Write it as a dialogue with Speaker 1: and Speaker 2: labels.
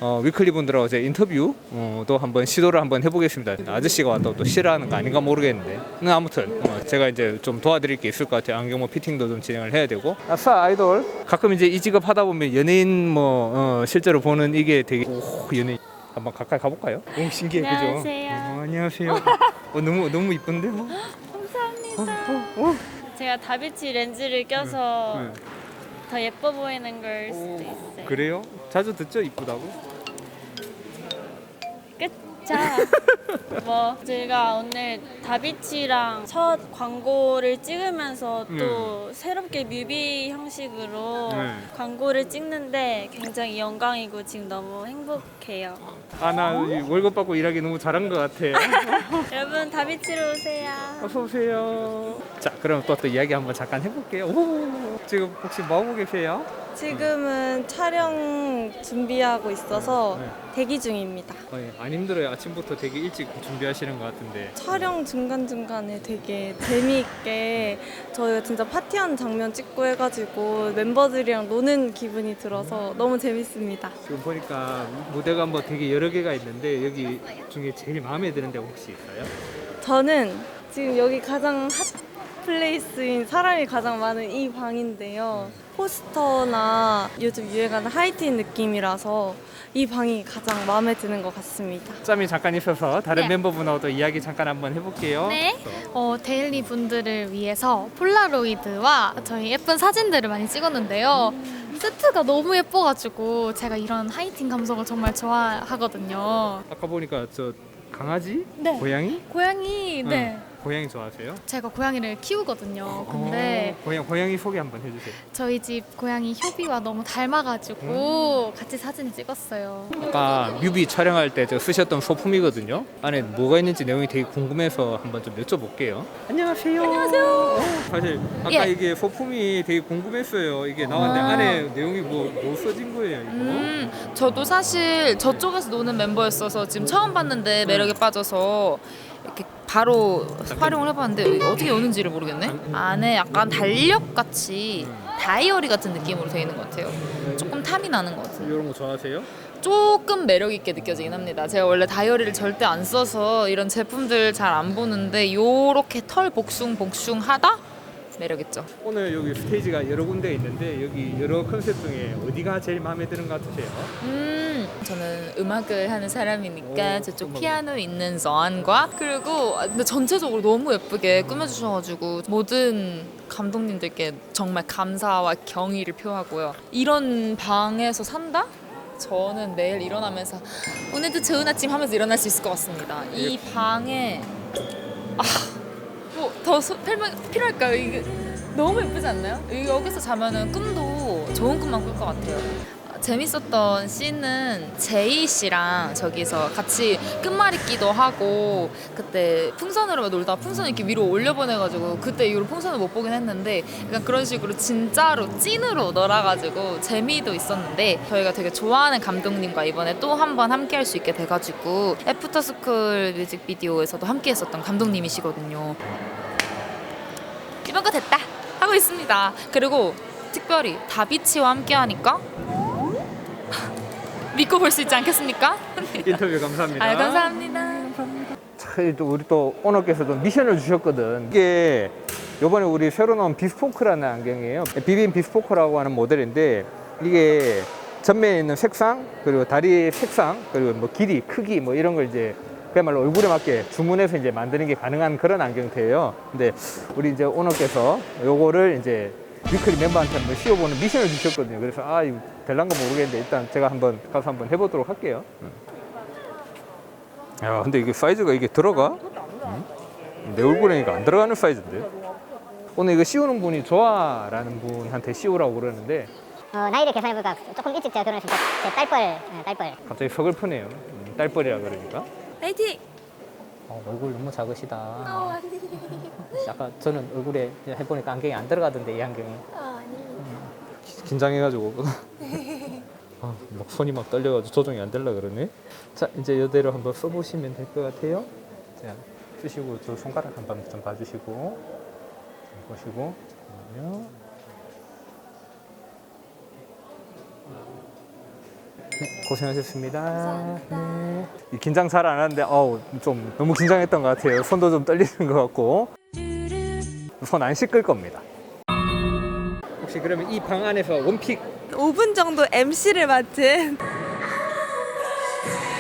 Speaker 1: 위클리 분들하고 제 인터뷰 또 한번 시도를 한번 해보겠습니다. 아저씨가 왔다고 또 싫어하는 거 아닌가 모르겠는데 아무튼 제가 이제 좀 도와드릴 게 있을 것 같아요. 안경모 피팅도 좀 진행을 해야 되고. 아싸 아이돌. 가끔 이제 이 직업 하다 보면 연예인 실제로 보는 이게 되게 연예인. 한번 가까이 가볼까요? 오 신기해.
Speaker 2: 안녕하세요.
Speaker 1: 그죠? 안녕하세요. 너무 이쁜데 뭐?
Speaker 2: 감사합니다. 제가 다비치 렌즈를 껴서 더 예뻐 보이는 걸 수도 있어요.
Speaker 1: 그래요? 자주 듣죠? 이쁘다고?
Speaker 2: 그쵸? 뭐 제가 오늘 다비치랑 첫 광고를 찍으면서 또 새롭게 뮤비 형식으로 광고를 찍는데 굉장히 영광이고 지금 너무 행복해요.
Speaker 1: 나 월급 받고 일하기 너무 잘한 것 같아.
Speaker 2: 여러분 다비치로 오세요.
Speaker 1: 어서 오세요. 자, 그럼 또 이야기 한번 잠깐 해볼게요. 오, 지금 혹시 뭐 하고 계세요?
Speaker 3: 지금은 촬영 준비하고 있어서 대기 중입니다.
Speaker 1: 안 힘들어요? 아침부터 되게 일찍 준비하시는 것 같은데.
Speaker 3: 촬영 중간중간에 되게 재미있게 저희가 진짜 파티하는 장면 찍고 해가지고 멤버들이랑 노는 기분이 들어서 너무 재밌습니다.
Speaker 1: 지금 보니까 무대가 뭐 되게 여러 개가 있는데 여기 중에 제일 마음에 드는 데가 혹시 있어요?
Speaker 3: 저는 지금 여기 가장 핫 플레이스인 사람이 가장 많은 이 방인데요. 포스터나 요즘 유행하는 하이틴 느낌이라서 이 방이 가장 마음에 드는 것 같습니다.
Speaker 1: 짬이 잠깐 있어서 다른
Speaker 2: 네.
Speaker 1: 멤버분하고도 이야기 잠깐 한번 해볼게요.
Speaker 2: 네.
Speaker 4: 데일리 분들을 위해서 폴라로이드와 저희 예쁜 사진들을 많이 찍었는데요. 세트가 너무 예뻐가지고 제가 이런 하이틴 감성을 정말 좋아하거든요.
Speaker 1: 아까 보니까 저 강아지?
Speaker 4: 네.
Speaker 1: 고양이?
Speaker 4: 고양이, 네.
Speaker 1: 고양이 좋아하세요?
Speaker 4: 제가 고양이를 키우거든요. 근데
Speaker 1: 고양이 소개 한번 해주세요.
Speaker 4: 저희 집 고양이 효비와 너무 닮아가지고 같이 사진 찍었어요.
Speaker 1: 아까 뮤비 촬영할 때 저 쓰셨던 소품이거든요. 안에 뭐가 있는지 내용이 되게 궁금해서 한번 좀 여쭤볼게요. 안녕하세요. 안녕하세요. 사실 아까
Speaker 4: 예.
Speaker 1: 이게 소품이 되게 궁금했어요. 이게 나왔는데 안에 내용이 뭐 써진 거예요, 이거?
Speaker 5: 저도 사실 저쪽에서 노는 멤버였어서 지금 처음 봤는데 매력에 빠져서 이렇게 바로 활용을 해봤는데 어떻게 오는지를 모르겠네. 안에 약간 달력같이 다이어리 같은 느낌으로 되어 있는 것 같아요. 조금 탐이 나는 것 같아요.
Speaker 1: 이런 거 좋아하세요?
Speaker 5: 조금 매력 있게 느껴지긴 합니다. 제가 원래 다이어리를 절대 안 써서 이런 제품들 잘 안 보는데 요렇게 털 복숭하다? 매력 있죠.
Speaker 1: 오늘 여기 스테이지가 여러 군데 있는데 여기 여러 컨셉 중에 어디가 제일 마음에 드는 것 같으세요?
Speaker 5: 저는 음악을 하는 사람이니까
Speaker 1: 오,
Speaker 5: 저쪽
Speaker 1: 음악을.
Speaker 5: 피아노 있는 저안과 그리고 근데 전체적으로 너무 예쁘게 꾸며주셔가지고 모든 감독님들께 정말 감사와 경의를 표하고요. 이런 방에서 산다? 저는 내일 일어나면서 오늘도 좋은 아침 하면서 일어날 수 있을 것 같습니다. 이 방에 뭐 더 설명 필요할까요? 이게 너무 예쁘지 않나요? 여기서 자면은 꿈도 좋은 꿈만 꿀 것 같아요. 재밌었던 씬은 제이 씨랑 저기서 같이 끝말잇기도 하고 그때 풍선으로 놀다가 풍선 이렇게 위로 올려보내가지고 그때 이후로 풍선을 못 보긴 했는데 약간 그런 식으로 진짜로 찐으로 놀아가지고 재미도 있었는데 저희가 되게 좋아하는 감독님과 이번에 또 한 번 함께 할 수 있게 돼가지고 애프터스쿨 뮤직비디오에서도 함께 했었던 감독님이시거든요. 이번 거 됐다 하고 있습니다. 그리고 특별히 다비치와 함께 하니까 믿고 볼 수 있지 않겠습니까?
Speaker 1: 인터뷰 감사합니다.
Speaker 5: 감사합니다.
Speaker 1: 우리 또 오너께서도 미션을 주셨거든. 이게 요번에 우리 새로 나온 비스포크라는 안경이에요. 비빔 비스포크라고 하는 모델인데 이게 전면에 있는 색상 그리고 다리 색상 그리고 뭐 길이 크기 뭐 이런 걸 이제 그야말로 얼굴에 맞게 주문해서 이제 만드는 게 가능한 그런 안경테예요. 근데 우리 이제 오너께서 요거를 이제 위클리 멤버한테 한번 씌워보는 미션을 주셨거든요. 그래서 이거 될란가 모르겠는데 일단 제가 한번 가서 한번 해보도록 할게요. 야, 근데 이게 사이즈가 이게 들어가? 내 얼굴에 이거 안 들어가는 사이즈인데. 오늘 이거 씌우는 분이 조아라는 분한테 씌우라고 그러는데
Speaker 6: 나이를 계산해보니까 조금 일찍 제가 결혼했으니까 제 딸뻘.
Speaker 1: 갑자기 서글프네요. 딸뻘이라 그러니까.
Speaker 5: 파이팅!
Speaker 7: 얼굴 너무 작으시다. 아까 저는 얼굴에 해보니까 안경이 안 들어가던데 이 안경이.
Speaker 1: 긴장해가지고 막 손이 막 떨려가지고 조정이 안 되려 그러네. 자, 이제 이대로 한번 써보시면 될 것 같아요. 자, 쓰시고 저 손가락 한번 좀 봐주시고 보시고 잠깐만요. 네, 고생하셨습니다. 네. 긴장 잘 안 하는데 좀 너무 긴장했던 것 같아요. 손도 좀 떨리는 것 같고 손 안 씻을 겁니다. 혹시 그러면 이 방 안에서 원픽
Speaker 3: 5분 정도 MC를 맡은